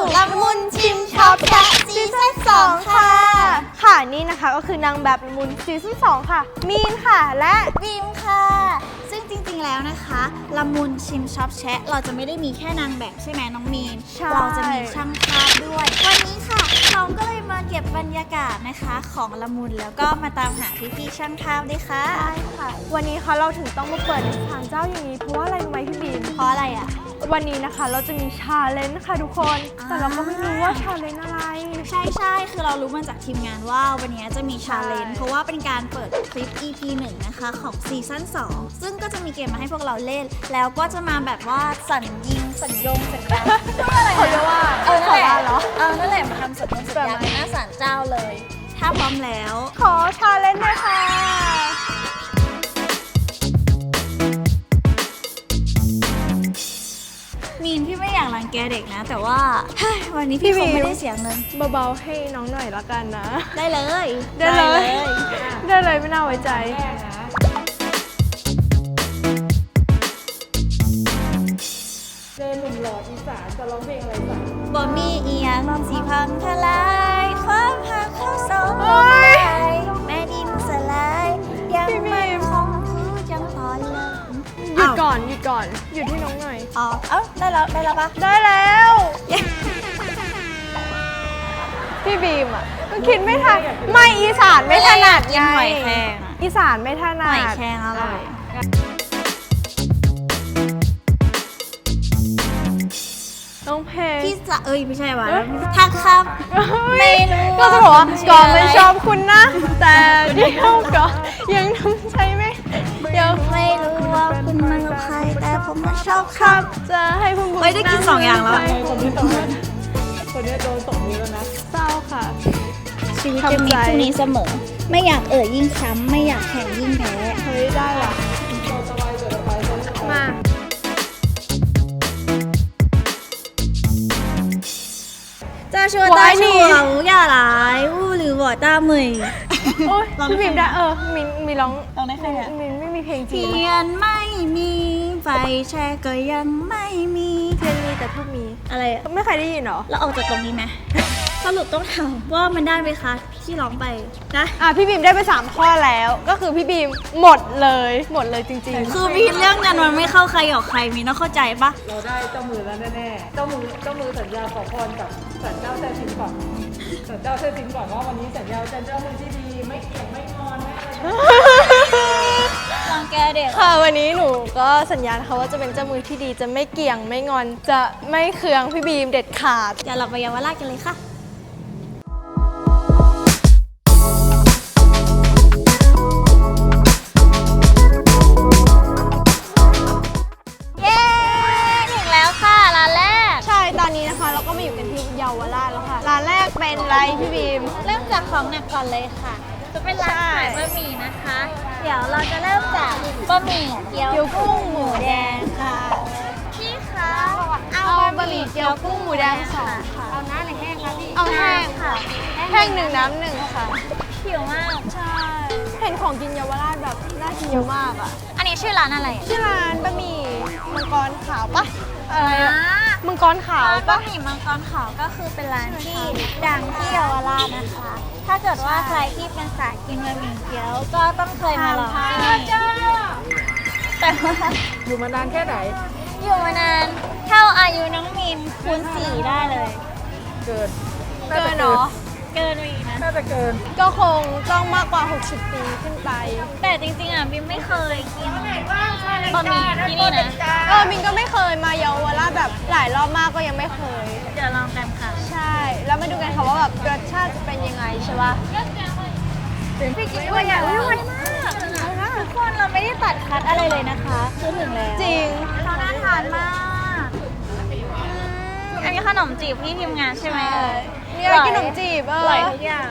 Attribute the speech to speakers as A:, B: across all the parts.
A: ละมุนชิมช็อปแชะซีซั่น2ค่ะ
B: ค่ะนี่นะคะก็คือนางแบบละมุนซีซั่น2ค่ะมีนค่ะและ
A: บีมค่ะซึ่งจริงๆแล้วนะคะละมุนชิมช็อปแชะเราจะไม่ได้มีแค่นางแบบใช่ไหมน้องมีนเราจะมีช่างภาพด้วยวันนี้ค่ะเราก็เลยมาเก็บบรรยากาศนะคะของละมุนแล้วก็มาตามหาพี่ๆช่างภาพด้วยค่ะ
B: ใช่ค่ะวันนี้ค่ะเราถึงต้องมาเปิดในศาลเจ้าอย่างนี้เพราะว่าอะไรรู้ไหมพี่บีม
A: เพราะอะไรอ่ะ
B: วันนี้นะคะเราจะมีชาเลนจ์ค่ะทุกคนแต่เราก็ไม่รู้ว่าชาเลนจ์อะไร
A: ใช่คือเรารู้มาจากทีมงานว่าวันนี้จะมีชาเลนจ์เพราะว่าเป็นการเปิดคลิป EP 1นะคะของซีซั่น2ซึ่งก็จะมีเกมมาให้พวกเราเล่นแล้วก็จะมาแบบว่าสั่นยิงสั่นยงสั่นยันอะไร
B: เขาเรียกว่า
A: นั่นแหละนั่นแหละมาทำสัญญงสัญญาณหน้าศาลเจ้าเลยถ้าพร้อมแล้ว
B: ขอชาเลนจ์เลยค่ะ
A: มีนพี่ไม่อยากรังแกเด็กนะแต่ว่าวันนี้พี่คงไม่ได้เสียเงิน
B: เบาๆให้น้องหน่อยละกันนะ
A: ได้เลย
B: ได้เลยไม่น่าไว้ใจเจอหนุ่มหล่ออีสานจะร้องเพลงอะไรสัก
A: บ่มีอีหยังสิพังทลายความหักเข้าสองแม่ดินสลายยังมันคงคือจังตอนเลิก
B: หยุดก่อนหยุดให้น้องหน่อย
A: ได้แล้วปะ
B: ได้แล้วพี่บีมอ่ะก็คิดไม่ทันไม่อีสานไม่ถนัดไงอีสานไม่ถนัด
A: หอยแครงอร่อย
B: น้องเพลง
A: พี่จะไม่ใช่ว่ะทักครับไม่รู้
B: ก็จะบอกว่าก่อนมันชอบคุณนะแต่เดี๋ยวก็ยังทำใจไม่
A: ยังไม่รู้ว่าคุณมันกับใครแต่ผมมันชอบครับ
B: จะให้พุ่ง
A: ไม่ได้กิน2อย่างแล้ว
B: คนนี้โดนตบมือแล้วนะเศร้าค่ะ
A: ชีวิตจะมีพรุ่งนี้เสมอไม่อยากยิ่งช้ำไม่อยากแข่งยิ่งแพ้
B: เฮ้ยได้ว่ะมา
A: จะชวนตาชูอย่าหลายหรือบ่ตาเหมย
B: โอ้ยพี่บีมได้มีร้อง
A: ได้แค่นี้
B: มินไม่มีเพลงจริง
A: เทียนไม่มีไฟแช่ก็ยังไม่มี
B: เทียนมีแต่ทูบมี
A: อะไร
B: ไม่เคยได้ยินหรอ
A: เราออกจากตรงนี้ไหมสรุปต้องถามว่ามันได้ไหมคะที่ร้องไปนะ
B: พี่บีมได้ไป3ข้อแล้วก็คือพี่บีมหมดเลยจริง
A: ๆคือมีเรื่องนั้นมันไม่เข้าใครออกใครมีต้องเข้าใจปะ
C: เราได้เจ้ามือแล้วแน่ๆเจ้ามือสัญญาขอพรกับสัญเจ้าแท้จริงก่อนสัญเจ้าแท้จริงก่อนว่าวันนี้สัญญาจะเจ้ามือที่ดีไม่เกี่ยงไม่งอนไม่อะไร
A: รังแกเด็ก
B: ค่ะวันนี้หนูก็สัญญานะคะว่าจะเป็นเจ้ามือที่ดีจะไม่เกี่ยงไม่งอนจะไม่เคืองพี่บีมเด็ดขาด
A: อย่าหลับไปเยาวราชกันเลยค่ะ
B: ตอนนี้นะคะเราก็มาอยู่กันที่เยาวราชแล้วค่ะร้านแรกเป็นไรพี่บีม
A: เริ่มจากของหนักก่อนเลยค่ะจะเป็นร้านขายบะหมี่นะคะเดี๋ยวเราจะเริ่มจากบะหมี่เกี๊ยวกุ้งหมูแดงค่ะพี่คะ
B: เอาบะหมี่เกี๊ยวกุ้งหมูแดง2ค่ะ
A: เอาน้ำหรือแห้งคะพี่
B: เอาแห้งค่ะแห้ง1น้ำ1ค่ะ
A: หิวมาก
B: ใช่เห็นของกินเยาวราชแบบน่ากินเยอะมากอ่ะ
A: อันนี้ชื่อร้านอะไร
B: ชื่อร้านบะหมี่มังกรขาวปะอะไรมังกรขาว
A: บะหมี่มังกรขาวก็คือเป็นร้านที่ดังที่เยาวราชนะคะถ้าเกิดว่าใครที่เป็นสายกินบะหมี่เกี๊ยวก็ต้องเคยมาลองแต่ว่า
C: อยู่มานานแค่ไหน
A: อยู่มานานเท่าอายุน้องมินคูณ4ได้เลย
C: เกิน
B: เนาะ
A: เกินอีกนะ
C: น่าจะเกิน
B: ก็คงต้องมากกว่า60ปีขึ้นไป
A: แต่จริงๆบิมไม่เคยกินบะหมี่ที่นี่นะ
B: มินก็ไม่เคยมาเยาวราชแบบหลายรอบมากก็ยังไม่เคย
A: เดี๋ยวลองกันค่ะ
B: ใช่แล้วมาดูกันค่ะว่าแบบรสชาติจะเป็นยังไงใช่ปะ
A: พี่กิ๊กว่าอย่างไวมากทุกคนเราไม่ได้ตัดคัดอะไรเลยนะคะคือถึงแล้ว
B: จริง
A: น่าทานมากอันนี้ขนมจีบพี่ทีมงานใช่ไหม
B: นี่อะไรขนมจีบ
A: อร่อยทุกอย่าง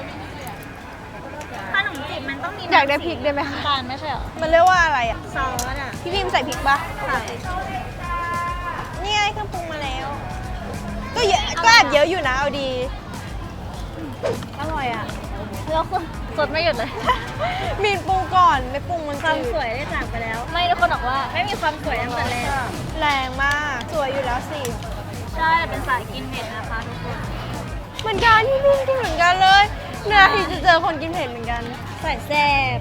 A: ขนมจีบมันต้องมี
B: อยากได้พริกได้ไหมคะ
A: ทานไม่ใช่หรอ
B: มันเรียกว่าอะไรอ่ะ
A: ซอสอ่ะ
B: พี่พิมใส่พริกปะใส่นี่ไงเครื่องปรุงมาแล้วก็เยอะก็แอบเยอะอยู่นะเอาดี
A: อร่อยอ่ะแล้วคนสดไม่หยุดเลย
B: มีปรุงก่อนไม่ปรุงมัน
A: ความสวยได้จากไปแล้วไม่ทุกคนบอกว่าไม่มีความสวยตั้งแต่แรก
B: แรงมากสวยอยู่แล้วสิ
A: ใช่ช่เป็นสายกินเผ็ดนะคะทุกคน
B: เหมือนกันที่พี่กินเหมือนกันเลยเนี่ยที่จะเจอคนกินเผ็ดเหมือนกัน
A: ใส่แซ่บ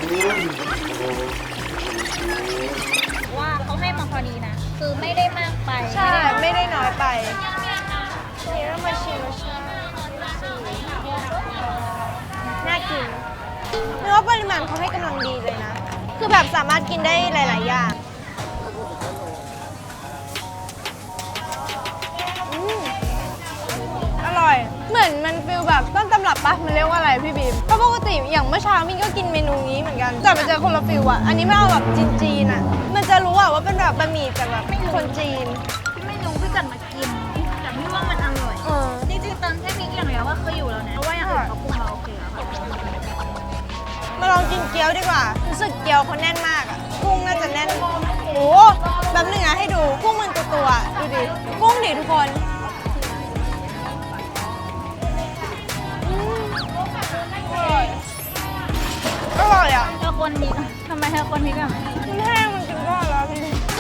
A: ว่าเขาให้มาพอดีนะ คือไม่ได้มากไป
B: ใช่ไม่ได้น้อยไปนี่เรามาชิมน่ากินเนื้อปริมาณเขาให้กำลังดีเลยนะ คือแบบสามารถกินได้หลาย ๆ อย่างอร่อย เหมือนมันฟิลแบบต้นตำรับปะมันเรียกว่าอะไรพี่บีมเพราะปกติอย่างเมื่อเช้ามินก็กินเมนูนี้เหมือนกันแต่ไปเจอคนละฟิลอะอันนี้ไม่เอาแบบจีนๆอะมันจะรู้อะว่าเป็นแบบบะหมี่แต่แบบคนจีน
A: ไม่รู้พี่จันมากินแต่พี่ว่ามันอร่อย จริงๆตอนแค่พริกอย่างเดียวว่าเคยอยู่แล้วนะเพราะว่าอย่างอื่นเขาปรุงมาโอเคแล้วค่ะ
B: มาลองกินเกี๊ยวดีกว่า รู้สึกเกี๊ยวเขาแน่นมากอะกุ้งน่าจะแน่น โอ้แบบนึงอะให้ดู กุ้งมันตัวๆดูดิ กุ้งดิทุกคนอร่อยอะ
A: เธอคนนี้ทำไมเธอคนนี้กัน
B: มันแห้งมันกินก็แล้วพี่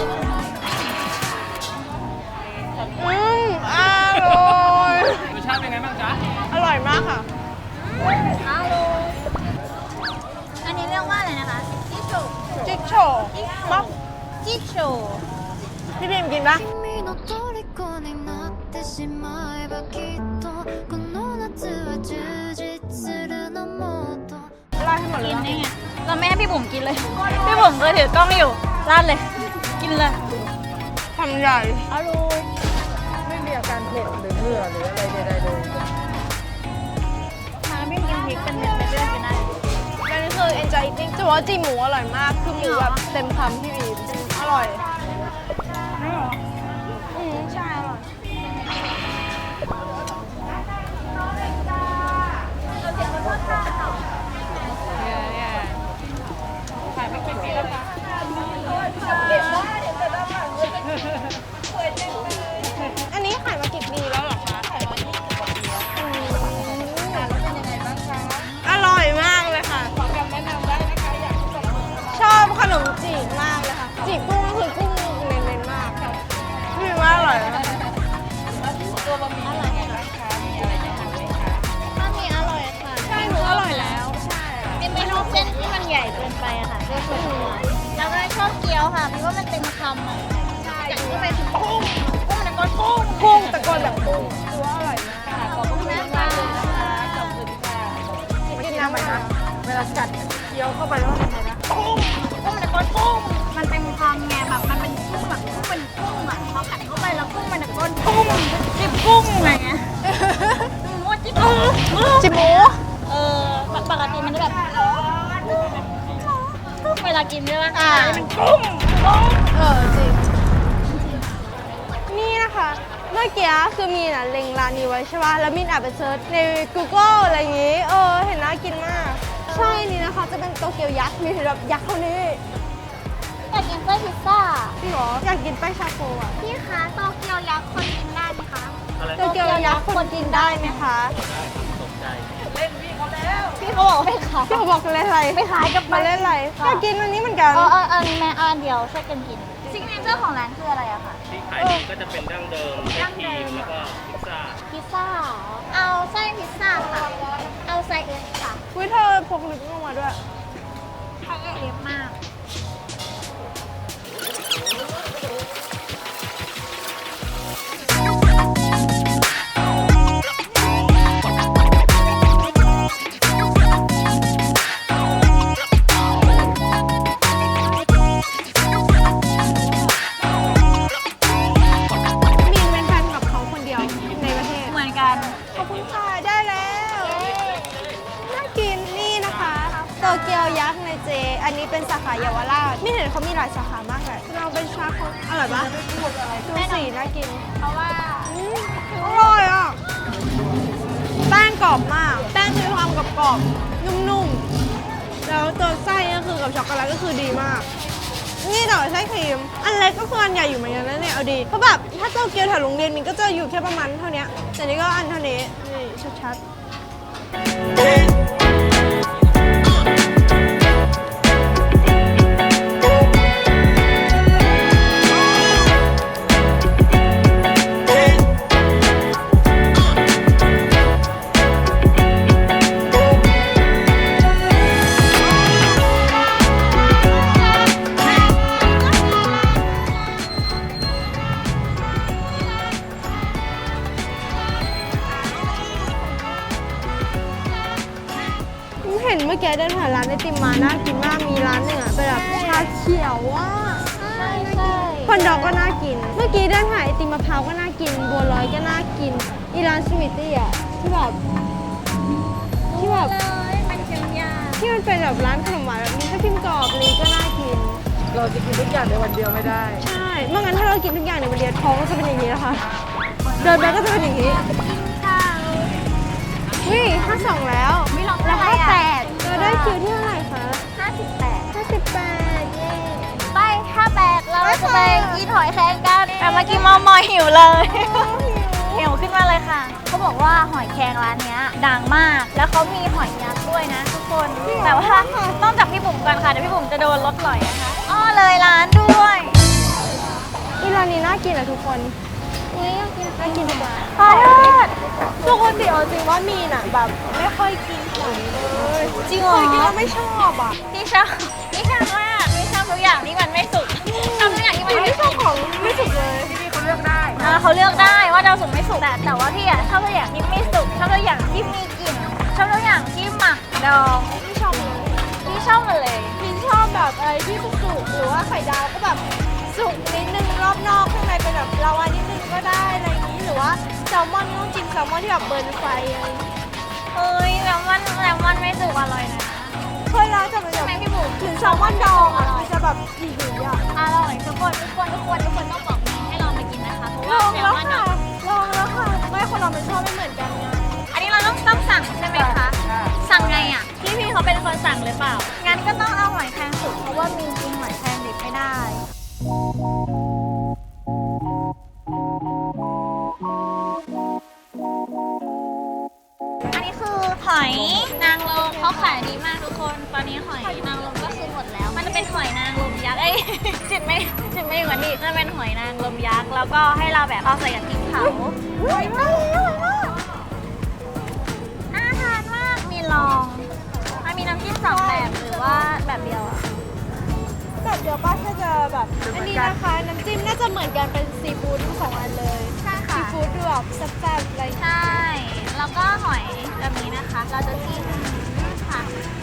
B: อร่อย
C: รสชาติเป็นไงบ้างจ๊ะ
B: อร่อยมากค่ะ
A: ฮัลโหลอันนี้เรียกว่าอะไรนะคะจิโช
B: จิ๊กโฉบ๊อบ
A: จิโช
B: พี่บีมกินปะ
D: 君の虜になってしまえばきっとこの夏は充実するのもっと
B: ราดให้หมดเล
A: กิ
B: ย
A: นได้ไงเราไม่ให้พี่บุ๋มกินเลย พี่บุ๋มก็ถือกล้องอยู่ราดเลย กินเลย
B: ทำใหญ่
A: อร่อย
C: ไม่มีอาการเผ็ดหรือเหงื่อหรืออะไรใดๆเลย
A: น้ำพี่กินพริกเป็นเม็ดเป็นเรื่องกินได้
B: อันนี้คือ enjoy eating จะบอกว่าจีหมูอร่อยมาก คือหมูแบบเต็มคำพี่บีมอร่อยใช่อร่อยอันนี้ขายมากี่ปีแล้วเหรอคะขายมา20 กว่าปีแล้วอร่อยมากเลยค่ะ
C: ขอคำแนะนำได้นะคะอยากให้แบบ
B: ชอบขนมจีบมากเลยค่ะ จีบกุ้งก็คือกุ้งเน้นๆมากพี่ว่าอร่อยนะ
C: ตัวบะหมี่เป็นไงบ้างคะมีอะไรแนะนำไหมคะ
A: ถ้ามีอร่อยค่ะ
B: ใช่หนูอร่อยแล้ว ใช่
A: เป็นเมนูเส้นที่มันใหญ่เกินไปอะค่ะด้วยส่วนตัวแล้วก็ชอบเกี๊ยวค่ะพี่ว่ามันเต็มคำอะจากที่ไปคือกุ้งมันก็กุ้ง
B: กุ้งตะโกนแบบกุ้งคือว่าอร่อยมาก
C: ขอบคุณมากค่ะขอบคุณค่ะ
B: กินน้ำไหมคะ
C: เวลากัดเคี้ยวเข้าไปแล้วมันเป็นไงนะ
A: กุ้งมันก็กุ้งมันเต็มคำไงแบบมันเป็นกุ้งแบบกุ้งเป็นกุ้งอะพอกัดเข้าไปแล้วกุ้งมันก็กุ้งจิบกุ้งอะไรเงี้ยหมูจิบกุ้ง
B: จิบหมู
A: ปกติมันจะแบบเวลากินใช่ไหมมันกุ้ง
B: จริง นี่นะคะ เมื่อกี้คือมีน่ะเล็งร้านนี้ไว้ใช่ป่ะ แล้วมินแอบไปเซิร์ชใน Google อะไรอย่างงี้ เห็นน่ากินมาก ใช่นี่นะคะ จะเป็นโตเกียวยักษ์ มีแบบยักษ์เท่านี้
A: อยากกินไส้พิซซ่า
B: พี่หรอ อยากกินแป้งชาโคอ่ะ
A: พี่คะโตเกียวยักษ์คนกินได้ไหมคะ
B: โตเกียวยักษ์คนกินได้ไหมคะ
A: พี่เขาบอกไม่ขาย
B: พี่เขาบอกเล่นอะไร
A: ไม่ขายกับ
B: มาเล่นอะไรอยากกินอันนี้เหมือนกัน
A: แม่อันเดียวช่วยกันกินซิกเนเจอร์ของร้านคืออะไรอะคะ
E: ที่ขายดีก็จะเป็นดั้งเดิมเล็กทีมแล้วก็พิซซ่า
A: พิซซ่า เอาไส้พิซซ่าค่ะ เอาไส้เอสค่ะ
B: วิเธอพกลิปลงมาด้วย
A: ไส้เอสมาก
B: มีนเป็นแฟนกับเขาคนเดียวในประเทศ
A: เหมือนกัน
B: ขอบคุณค่ะ ได้แล้ว น่ากินนี่นะคะโตเกียวยักษ์ในเจ อันนี้เป็นสาขาเยาวราชไม่เห็นเขามีหลายสาขามากเลยเราเป็นชาเขาอร่อยปะดูสีน่ากิน
A: เพราะว่า
B: อร่อยอ่ะ แป้งกรอบมาก แป้งมีความกรอบๆนุ่มๆ แล้วตัวไส้ก็คือกับช็อกโกแลตก็คือดีมาก นี่แต่ว่าไส้ครีม อันเล็กก็คืออันใหญ่อยู่เหมือนกันนะเนี่ย เอาดี เพราะแบบถ้าโตเกียวแถวโรงเรียนมินก็จะอยู่แค่ประมาณเท่านี้แต่นี่ก็อันเท่านี้ นี่ชัดๆห็นเมื่อกี้เดินผ่านร้านไอติมมาน่ากินมากมีร้านหนึ่งอะเป็นแบบชาเขียวว่ะ
A: ใช่
B: คอนดอกก็น่ากิน เมื่อกี้เดินผ่านไอติมมะพร้าวก็น่ากิน บัวลอยก็น่ากินอีร้านสวีทตี้อะที่แบบ
A: เลยมันเชียงยา
B: ที่มันเป็นแบบร้านขนมหวานแบบมีทับทิมกรอบนี้ก็น่ากิน
C: เราจะกินทุกอย่างในวันเดียวไม่ได้
B: ใช่เมื่องั้นถ้าเรากินทุกอย่างในวันเดียวท้องก็จะเป็นอย่างนี้นะคะ เดินไปก็จะเป็นอย่างนี้
A: ข้าว
B: วิ52แล้ว
A: ไม่ลอง
B: แล้ว
A: อะไรอ่ะ
B: 58เราได้คิวที่เท่าไหร่คะ
A: 58
B: 58เย้
A: ไป58เราจะไปกินหอยแครงกันแต่เมื่อกี้มอมอยหิวเลย หิวขึ้นมาเลยค่ะ เขาบอกว่าหอยแครงร้านเนี้ยดังมาก แล้วเขามีหอยยักษ์ด้วยนะทุกคน แต่ว่าต้องจับพี่บุ๋มก่อนค่ะ เดี๋ยวพี่บุ๋มจะโดนรถหล่อยนะคะอ้อเลยร้านด้วย
B: อีร้านนี้น่ากินอะทุกคนนี่น่ากินดีกว่า
A: ขอโทษ
B: ปกติเอาจริงว่ามีน่ะแบบไม่ค่อยกินหอยเลย
A: จริงเหรอ
B: เคยกินแล้วไม่ชอบอ่ะ
A: พี่ชอบมากพี่ชอบทุกอย่างที่มันไม่สุกชอบทุกอย่างที่มัน
B: ไม่
A: ไม่
B: ช
A: สุ
B: อบ
A: ก
B: ของไม่สุกเลย
C: ที่นี่เขาเลือกได้
A: เขาเลือกได้ว่าจะเอาสุกไม่สุกแต่ว่าพี่อะชอบทุกอย่างที่ไม่สุกชอบทุกอย่างที่มีกลิ่นชอบทุกอย่างที่หมักดอง
B: ไม่ชอบเลย
A: พี่ชอบหมดเลย
B: มินชอบแบบอะไรที่สุกๆหรือว่าไข่ดาวก็แบบสุกนิดนึงรอบนอกข้างในเป็นแบบลาวานิดนึงก็ได้อะไรอย่างนี้หรือว่าแซลมอนต้องจิ้มแซลมอนที่แบบเบิร์นไฟอะไรอย่างนี้
A: เอ้ยแล้วมันไม่สุกอร่อยนะ
B: เคยร้านจะเป็น
A: ใช่
B: แบ
A: ไหม
B: บ
A: พี่บุ๋ม
B: ถึงแซลมอนดองอ่ะมันจะแบบหิวๆอ่ะ
A: อร่อยทุกคนต้องบอกให้ลองไปกินนะคะเพราะ
B: ล
A: ว่า
B: อง
A: แซล
B: แล้ว
A: มอน
B: ค่ะ
A: ดอง
B: ลองแล้วค่ะไม่คนเรามันชอบไม่เหมือนกันไง
A: อันนี้เราต้องสั่งใช่ไหมคะ สั่งไงอ่ะพี่เขาเป็นคนสั่งหรือเปล่างั้นก็ต้องเอาหอยแครงสุกเพราะว่ามีกินหอยแครงดิบไม่ได้ อันนี้คือหอยนางรมเขาขายดีมากทุกคน ตอนนี้หอยนางรมก็คือหมดแล้ว มันจะเป็นหอยนางรมยักษ์ จิตไม่เหมือนดิจะเป็นหอยนางรมยักษ์แล้วก็ให้เราแบบเอาใส่กับพริกเผาอร่อยมากน่าทานมาก มีลองมันมีน้ำจิ้ม2แบบหรือว่าแบบเดียวอะ
B: แบบเดียวป้าแค่จะแบบอันนี้นะคะน้ำจิ้มน่าจะเหมือนกันเป็นซีฟู้ดทั้งสองอันเลย
A: ใช่
B: ซี
A: ค่ะ
B: ฟู้ดดูแบบแซ่บๆอะไรอย่างเงี้ย
A: ใช่ แล้วก็หอยแบบนี้นะคะ เราจะจิ้มค่ะ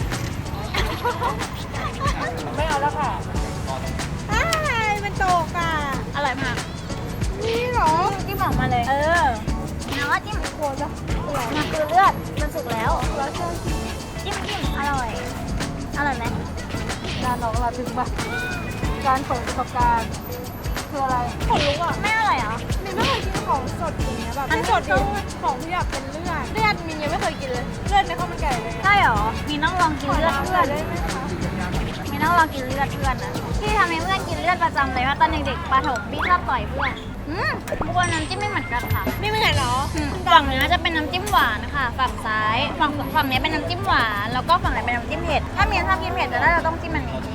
C: ไม่เอาแล้วค่ะ
B: อ้ายมันตกอ่ะ
A: อร่อยมาก
B: นี่เหรอ
A: จิ้มออกมาเลย แล้วก็จิ้มโคจะมันคือเลือด มันสุกแล้ว
B: แล้วเชื่อ
A: จิ้มอร่อย อร่อยไหม
C: ร้านน้องเราถึงปะการเปิดประสบการณ์คืออะไร
B: ขนลุกอ่ะ
A: ไม่อร่อยเหรอ
B: มินไม่เคยกินของสดอย่างเงี้ยแบบ
A: อัน
B: ไม่
A: นี้
B: สดดิของที่แบบเป็นเลือดมินยังไม่เคยกินเลยเลือดในข้าวมันไก่เลย
A: ใช่เหรอ มีต้องลองกิน
B: ขอ
A: เลือด
B: น้ำห
A: เพื่
B: น่
A: อ
B: อน ยได้ไหมคะ
A: มีต้องลองกินเลือดเพื่อนนะพี่ทำให้เพื่อนกินเลือดประจำเลยว่าตอนเด็กๆประถมพี่ชอบต่อยเพื่อนทุกคนน้ำจิ้มไม่เหมือนกันค่ะ
B: ไม่เหมือนเหรอ
A: ฝั่งนี้จะเป็นน้ำจิ้มหวานนะคะฝั่งซ้ายฝั่งนี้เป็นน้ำจิ้มหวานแล้วก็ฝั่งไหนเป็นน้ำจิ้มเผ็ดถ้ามีนชอบกินเผ็ดจะได้เราต้องจิ้มอันนี้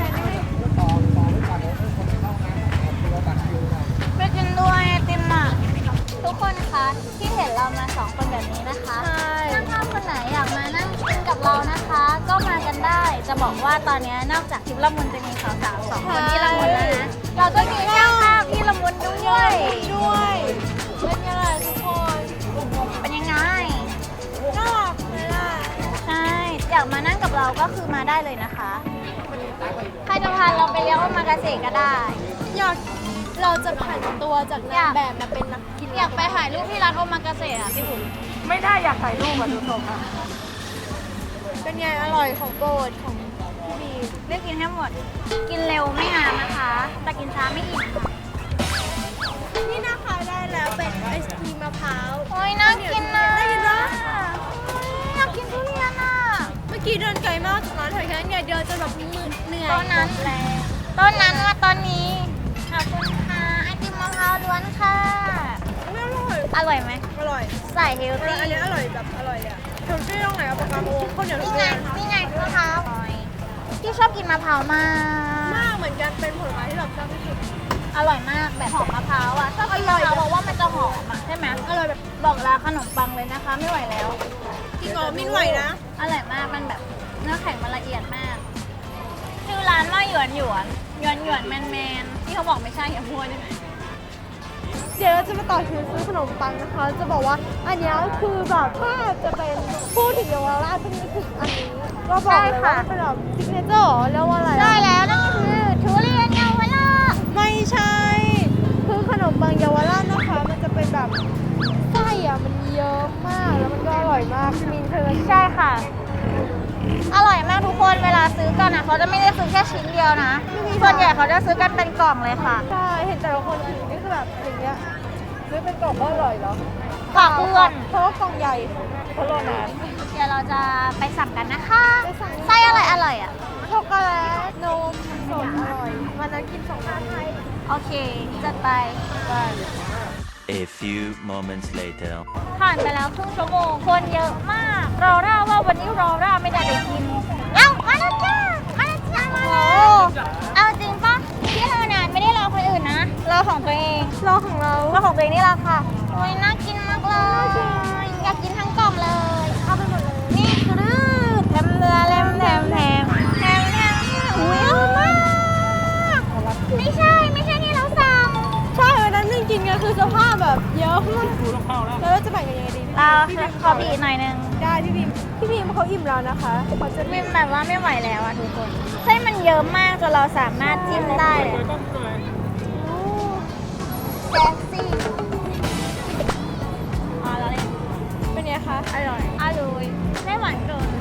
A: ไปกินด้วยไอติมอ่ะทุกคนคะที่เห็นเรามา2คนแบบนี้นะคะ
B: ใช่
A: ถ้าคนไหนอยากมานั่งกินกับเรานะคะ ก็มากันได้ จะบอกว่าตอนนี้นอกจากทิพย์ละมุนจะมีสาวๆ2คนที่ละมุนแล้วนะเราก็มีช่างภาพที่ละมุนด้วย
B: ด้วยเป็นยังไงทุกคน
A: เป็นยังไง
B: น่ารักไหมล่ะ
A: ใช่ อยากมานั่งกับเราก็คือมาได้เลยนะคะ ใครจะพาเราไปเลี้ยงว่ามากาเสะก็ได้
B: อยากเราจะผันตัวจากนางแบบมาเป็นนักกิน
A: อยากไปถ่ายรูปที่ร้านโอมากาเสะอ่ะพี่บุ๋ม
C: ไม่ได้อยากถ่ายรูปอ่ะดูทรงอ่ะ
B: เป็นไงอร่อยของโปรดของพี่บี
A: เลือกกินให้หมด กินเร็วไม่นานนะคะ แต่กินช้าไม่อิ่มค่ะ
B: นี่นะคะได้แล้วเป็นไอศครีมมะพร้าว
A: โอ้ยน่ากินนะ
B: ได้ยินปะ
A: อยากกินทุเรียนอ่ะ
B: เมื่อกี้เดินไกลมากจากร้านแถวแค่นี้เดินจนแบบเหนื่อย
A: ต้นนั้นแหละต้นนั้นว่าตอนนี้ ขอบคุณค่ะไอติมมะพร้าวล้วนค่ะ
B: ไม่อร่อย
A: อร่อยไหม
B: อร่อย
A: ใส่เฮลตี้
B: อันนี้อร่อยแบบอร่อยเลยอะเทลตี้ตรงไหนเอาปากกาโมข้าวเหนียวทุ
A: นี่
B: เรี
A: ไง
B: ยนค่ะ
A: นี่ไงมะพร้าวพี่ชอบกินมะพร้าวมาก
B: มากเหมือนกันเป็นผลไม้ที่แบบชอบที่สุด
A: อร่อยมากแบบหอมมะพร้าวอ่ะชอบกินมะพร้าวเพราะว่ามันจะหอมอ่ะใช่ไหม
B: อร่อยแบบ
A: บอกลาขนมปังเลยนะคะ ไม่ไหวแล้ว
B: จริงเหรอมินไหวนะ
A: อร่อยมากมันแบบเนื้อแข็งมันละเอียดมากชื่อร้านว่าหยวนแมนที่เขาบอกไม่ใช่อย่าพูดได้ไหม
B: เดี๋ยวเราจะมาต่อคิวซื้อขนมปังนะคะ จะบอกว่าอันเนี้ยคือแบบถ้าจะเป็นพูดถึงเยาวราชต้องนึกถึงอันนี้ก็บอกเลยว่าเป็นแบบซิกเนเจอร์เรียกว่าอะไร
A: ใช่แล้วนั่นก็คือทุเรียนเยาวราช
B: ไม่ใช่ คือขนมปังเยาวราชนะคะ มันจะเป็นแบบไส้อะมันเยอะมากแล้วมันก็อร่อยมากมินเคย
A: ใช่ค่ะ อร่อยมากทุกคนเวลาซื้อกันเขาจะไม่ได้ซื้อแค่ชิ้นเดียวนะส่วนใหญ่เขาจะซื้อกันเป็นกล่องเลยค่ะ
B: ใช่เห็นแต่ละคนถือนี่คือแบบอย่างเงี้ยซื้อเป็นกล่องก็อร่อยเหรอ
A: ฝากเพื่อน
B: เพราะว่ากล่องใหญ่เพราะรอนาน
A: เดี๋ยวเราจะไปสั่งกันนะคะ
B: ไปสั่ง
A: ไส้อะไรอร่อยอ่ะ
B: ช็อกโกแลตนมสดอร่อยวันนั้นกิน2 อันไทย
A: โอเคจัดไป
F: A few moments later.
A: ผ่านไปแล้วครึ่งชั่วโมงคนเยอะมากรอร่าว่าวันนี้รอร่าไม่ได้ไปกินเอ้ามาแล้วจ้ามาแล้วจ้ามาแล้วเอาจริงปะที่เรานานไม่ได้รอคนอื่นนะรอของตัวเอง
B: รอของเรา
A: รอของตัวเองนี่แหละค่ะโอ้ยน่ากินมากเลยอยากกินทั้งกล่องเลยเอาไปหมดเลยนี่คือแถมเรือแถมแถมแถมแถมแถมอุ้ยเยอะมากไม่ใช่ที่เราสั่ง
B: ใช่วันนั้นจริงๆก็คือสภาพแบบเยอะมากแล้วเราจะแบ่งกันยังไงดี
A: เราขอบีบหน่อยนึง
B: ได้พี่พิมเขาอิ่มแล้วนะคะเขาจะ
A: มิมแบบว่าไม่ไหวแล้วอะทุกคนไส้มันเยอะมากจนเราสามารถจิ้มได้เลยแซ่บซี่อ๋อแล้วเลย
B: เป็นไงคะ
A: อร่อยไม่หวานเกิน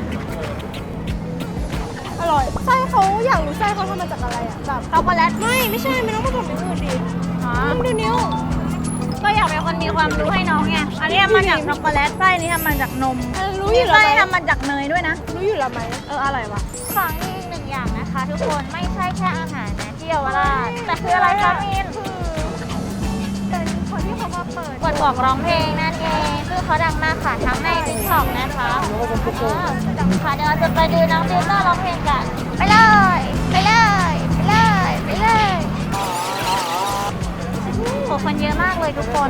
B: อร่อยไส้เขาอยากรู้ไส้เขาทำมาจากอะไรอ่ะแบบ
A: ช็อกโกแลต
B: ไม่ใช่มันต้องมาจากอย่างอื่นดิ
A: อ๋อ
B: ดูนิ้ว
A: ก็อยากเป็นคนมีความรู้ให้น้องไงอันนี้ทำมาจากช็อกโกแลตไส้นี้ทำมาจากนม
B: รู้อยู่แล้ว
A: ไส้
B: ไหม
A: ทำมาจากเนยด้วยนะ
B: รู้อยู่แล้วไหม
A: อร่อยวะของอีกหนึ่งอย่างนะคะ ทุกคนไม่ใช่แค่อาหารนะที่เยาวราชแต่คืออะไรคะมิน
B: เป็นคนที่เขามาเปิด
A: กดบอกร้องเพลงนั่นเองคือเขาดังมากค่ะทั้งในทิกตอกนะคะค่ะเดี๋ยวเราจะไปดูน้องติวเตอร์ร้องเพลงกัน ไปเลยโหคนเยอะมากเลยทุกคน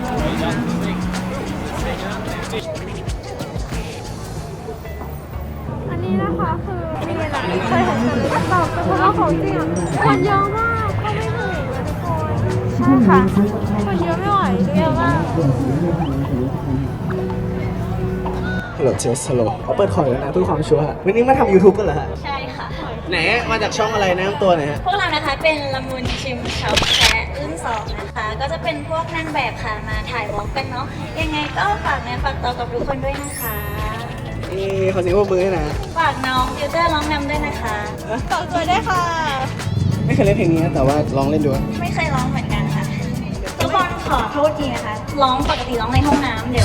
B: อันนี้นะคะคือนี่แหละเคยเห็นแต่ตอบเป็นคนเอาของจริงอ่ะคนเยอะมากก็ไม่ถึงเลยทุกคน
A: ใช่ค่ะ
B: คนเยอะไม่ไหว
A: เยอะมาก
G: ฮัลโหลเจสฮัลโหลเขาเปิดคอร์แล้วนะเพื่อความชัวร์วันนี้มาทำ YouTube กันเหรอฮะ
A: ใช่ค่ะ
G: ไหนมาจากช่องอะไรนะตัวไหนฮะ
A: พวกเรานะคะเป็นละมุนชิมช็อปแชะรุ่น2นะคะ ก็จะเป็นพวกนางแบบค่ะมาถ่ายวอล์กกันเนาะยังไงก็ฝากเนื้อฝากตัวกับทุกคนด้วยนะคะ
G: นี่ขอเสียงปรบมือให้นะ
A: ฝากน้องติวเตอร์ร้องนำด้วยนะคะ
B: ต่อตัวได้ค่ะ
G: ไม่เคยเล่นเพลงนี้นะแต่ว่าลองเล่นดู
A: ไม่เคยร้องเหมือนกันค่ะ ทุกคนขอโทษทีนะคะ ร้องปกติร้องในห้องน้ำเดี๋ยว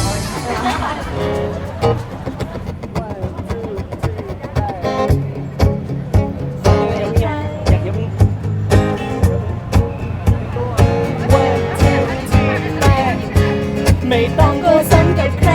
A: ไม่ต้องกลัวซ้ำกับใคร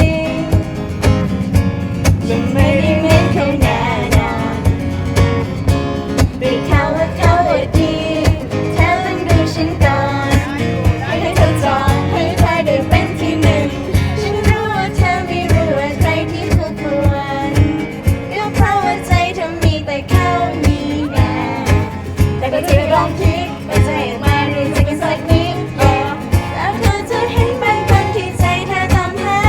A: จะไม่ได้เหมือนเขาแน่นอนได้ข่าวว่าเขาดีเธอต้องดูฉันก่อนให้เธอจองให้เธอได้เป็นที่หนึ่งฉันรู้ว่าเธอไม่รู้ว่าใครที่คู่ควรก็เพราะว่าใจเธอมีแต่เขามีแน่แต่ก็ที่ลองคิดว่าจะให้มารู้จักกันสักนิดแล้วเธอจะเห็นบางคนที่ใจเธอตามหา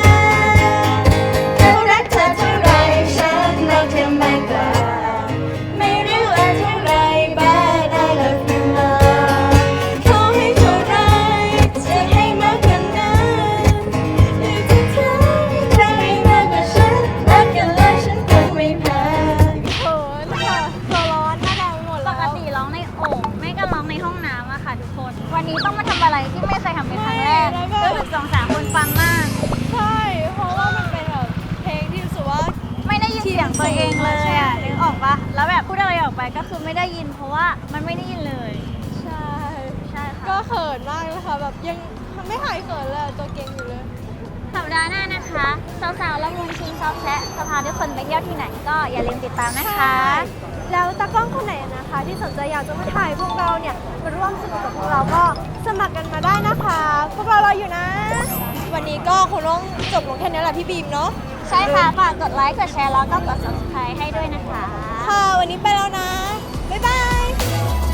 A: เขารักเธอเท่าไรฉันรักเธอมากกว่าไม่รู้ว่าเท่าไรบ้าได้แล้วเพียงรอขอให้เท่าไรจะให้มากกว่านั้นอยากจะเธอใครมากกว่าฉันรักกันแล้วฉันคงไม่แพ้
B: เขินค่ะตัวร้อนหน้าแดงไปหมด
A: ป
B: แล้ว
A: กติร้องในโอ่งไม่ก็ร้องในห้องน้ำอะค่ะทุกคน วันนี้ต้องมาทำอะไรที่ไม่เคยทำเป็นครั้งแรกก็ถึง2-3 คนฟังมาก
B: ใช่ เพราะว่ามันเป็นแบบเพลงที่รู้สึกว่า
A: ไม่ได้ยินเสียงตัวเองเลยอะนึกออกปะแล้วแบบพูดอะไรออกไปก็คือไม่ได้ยินเพราะว่ามันไม่ได้ยินเลย
B: ใช่
A: ใช่ค่ะ
B: ก็เขินมากเลยค่ะแบบยังไม่หายเขินเลยตัวเก่งอยู่เลย
A: สัปดาห์หน้านะคะสาวๆละมุนชิงช็อปแชะจะพาทุกคนไปเที่ยวที่ไหนก็อย่าลืมติดตามนะคะ
B: แล้วตากล้องคนไหนนะคะ ที่สนใจอยากจะมาถ่ายพวกเราเนี่ยมาร่วมสนุกกับพวกเราก็สมัครกันมาได้นะคะ พวกเรารออยู่นะ วันนี้ก็คงต้องจบลงแค่นี้แหละพี่บีมเนาะ
A: ใช่ค่ะฝากกดไลค์กดแชร์แล้วก็กด subscribe ให้ด้วยนะคะ
B: ค่ะวันนี้ไปแล้วนะ บ๊ายบาย